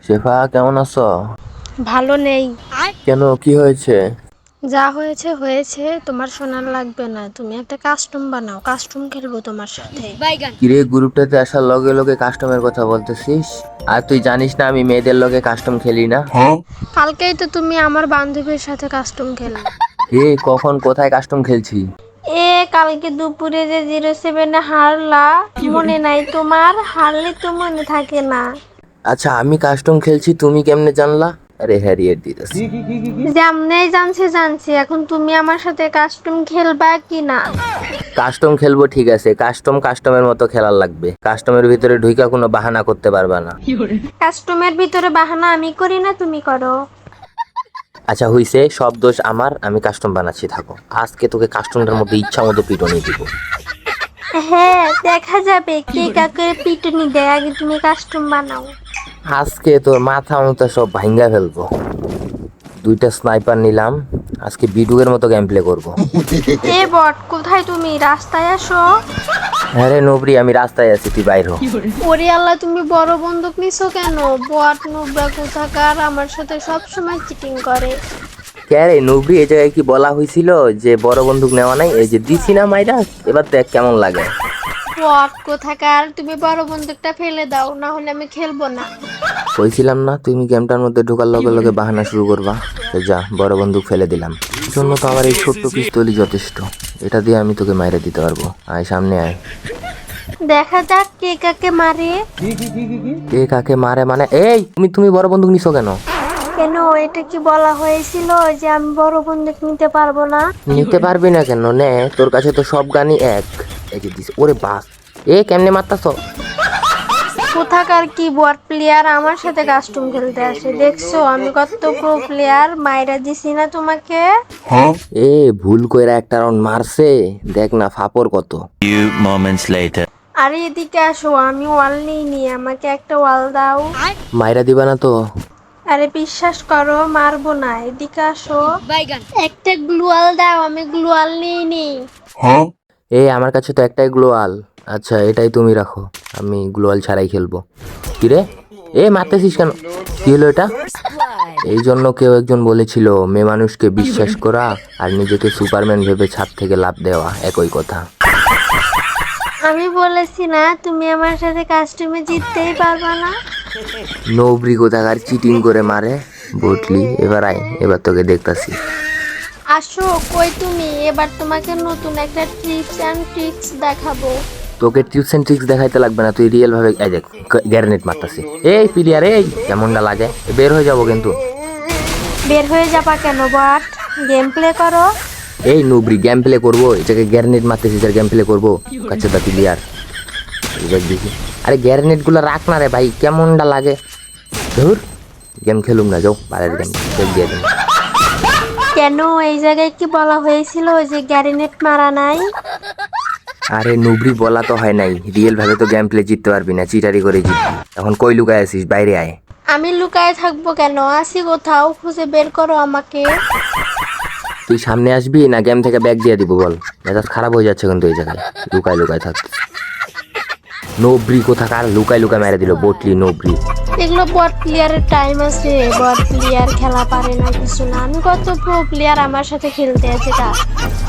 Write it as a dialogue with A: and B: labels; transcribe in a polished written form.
A: শেফা কেমন আছো?
B: ভালো নেই।
A: কেন, কি হয়েছে?
B: যা হয়েছে হয়েছে, তোমার শোনার লাগবে না। তুমি একটা কাস্টম বানাও, কাস্টম খেলবো তোমার সাথে।
A: কিরে, গ্রুপটাতে আসার লগে লগে কাস্টমের কথা বলতেছিস? আর তুই জানিস না আমি মেয়েদের লগে কাস্টম খেলি না?
B: কালকেই তো তুমি আমার বান্ধবীর সাথে কাস্টম খেললে।
A: এ কখন কোথায় কাস্টম খেলছি?
B: কালকে দুপুরে যে 07-এ হারলা, মনে নাই তোমার? হারলে তো মনে থাকে না।
A: আচ্ছা, আমি কাস্টম খেলছি তুমি কেমনে জানলা? আরে হ্যারিয়েট দিতেছি।
B: যেমনেই জানছি, এখন তুমি আমার সাথে কাস্টম খেলবা কি না?
A: কাস্টম খেলবো ঠিক আছে, কাস্টমের মতো খেলার লাগবে। কাস্টমের ভিতরে ঢুইকা কোনো বাহানা করতে পারবা না।
B: কাস্টমের ভিতরে বাহানা আমি করি না, তুমি করো।
A: আচ্ছা হইছে, সব দোষ আমার, আমি কাস্টম বানাচ্ছি থাকো। আজকে তোকে কাস্টমটার মধ্যে ইচ্ছা মতো পিটনি দিব।
B: হ্যাঁ, দেখা যাবে কে কাকে পিটুনি দেয়। আগে তুমি কাস্টম বানাও।
A: আজকে তোর মাথা মতো সব ভাঙ্গা ফেলবো। দুইটা স্নাইপার নিলাম, আজকে বিডুয়ের মতো গেম প্লে করবো।
B: বট, কোথায় তুমি? রাস্তায় আসো।
A: হ্যাঁ রে নবরি, আমি রাস্তায় আছি, তুই বাইর হ।
B: ওরে আল্লাহ, তুমি বড় বন্দুক নিছো কেন? বট নুবরা কোথাকার আমার সাথে সব সময় চিটিং করে।
A: কে রে নবরি, এই জায়গায় কি বলা হয়েছিল যে বড় বন্দুক নেওয়া নাই? এই যে দিছি না মাইরা, এবার দেখ কেমন লাগে।
B: বট কোথাকার, তুমি বড় বন্দুকটা ফেলে দাও, না হলে আমি খেলবো না।
A: কইছিলাম না তুমি গেমটার মধ্যে ঢোকার লগে লগে বাহানা শুরু করবা? তো যা, বড় বন্দুক ফেলে দিলাম। জন্য তো আমার এই ছোট্ট পিস্তলই যথেষ্ট। এটা দিয়ে আমি তোকে মাইরা দিতে পারবো। আয় সামনে আয়।
B: দেখা যাক কে কাকে মারে।
A: কে কাকে মারে মানে? এই তুমি বড় বন্দুক নিছো কেন?
B: কেন, এটা কি বলা হয়েছিল যে আমি বড় বন্দুক নিতে পারবো না?
A: নিতে পারবি না কেন? নে, তোর কাছে তো সব গানই এক। এই যে দিস, ওরে বাস। কেমনে মারতাছ?
B: কোথাকার কি বট প্লেয়ার আমার সাথে কাস্টম খেলতে আসে, দেখছো আমি কত প্রো প্লেয়ার? মাইরা দিছি না তোমাকে?
A: ভুল কইরা একটা রাউন্ড মারছে, দেখ না ফাপর কত।
C: Few moments later.
B: আরে এদিকে আসো, আমি ওয়াল নিইনি, আমাকে একটা ওয়াল দাও।
A: মাইরা দিবা না তো?
B: আরে বিশ্বাস করো, মারবো না, এদিকে আসো। একটা গ্লুয়াল দাও, আমি গ্লুয়াল নিইনি।
A: আমার কাছে তো একটাই গ্লোয়াল। আচ্ছা এটাই তুমি রাখো, আমি গ্লোয়াল ছাড়াই খেলবো। কিরে, মারতেছিস কেন? কি হলো এটা? এই জন্য কেউ একজন বলেছিল মেয়ে মানুষকে বিশ্বাস করা আর নিজেকে সুপারম্যান ভেবে ছাদ থেকে লাফ দেওয়া একই কথা।
B: আমি বলেছি না তুমি আমার সাথে কাস্টমে জিততেই পারবা না?
A: নবরি কোথাকার চিটিং করে মারে, বুঝলি? এবার আয়, এবার তোকে দেখতাছি।
B: আসো, কই তুমি? এবার তোমাকে নতুন একটা টিপস এন্ড ট্রিক্স দেখাবো।
A: তোকে টিপস এন্ড ট্রিক্স দেখাইতে লাগবে না, তুই রিয়েল ভাবে এই দেখ গ্যারেনেট মারতাছি। প্লেয়ার, কেমনটা লাগে? বের হয়ে যাবো কিন্তু।
B: বের হয়ে যাবা কেন বট? গেম প্লে করো।
A: নুবরি, গেম প্লে করবো? এটাকে গ্যারেনেট মারতেছিস আর গেম প্লে করবো? কাছে দা প্লেয়ার, দেখি। আরে গ্যারেনেট গুলো রাখ না রে ভাই, কেমনটা লাগে? ধুর, গেম খেলুম না, যাও বাইরের গেম দিয়ে দিন।
B: কেন, এই জায়গায় কি বলা হয়েছিল যে গ্যারেনেট মারা নাই?
A: আরে নুবরি, বলা তো হয় নাই। রিয়েল ভাবে তো গেম প্লে জিততে পারবি না, চিটারি করে জিতবি। এখন কই লুকায় আছিস? বাইরে আয়।
B: আমি লুকায় থাকবো কেন? আসি কোথাও, খুঁজে বের করো আমাকে।
A: তুই সামনে আসবি না গেম থেকে ব্যাগ দিয়ে দিব? বল, মেজাজ খারাপ হয়ে যাচ্ছে কিন্তু এই জায়গায় লুকায় থাক। নবরি কোথাকার লুকায় মেরে দিল বটলি নবরি।
B: এগুলো বট প্লেয়ারের টাইম আছে, বট প্লেয়ার খেলা পারে না কিছু না। আমি কত প্রো প্লেয়ার আমার সাথে খেলতে আছে তা।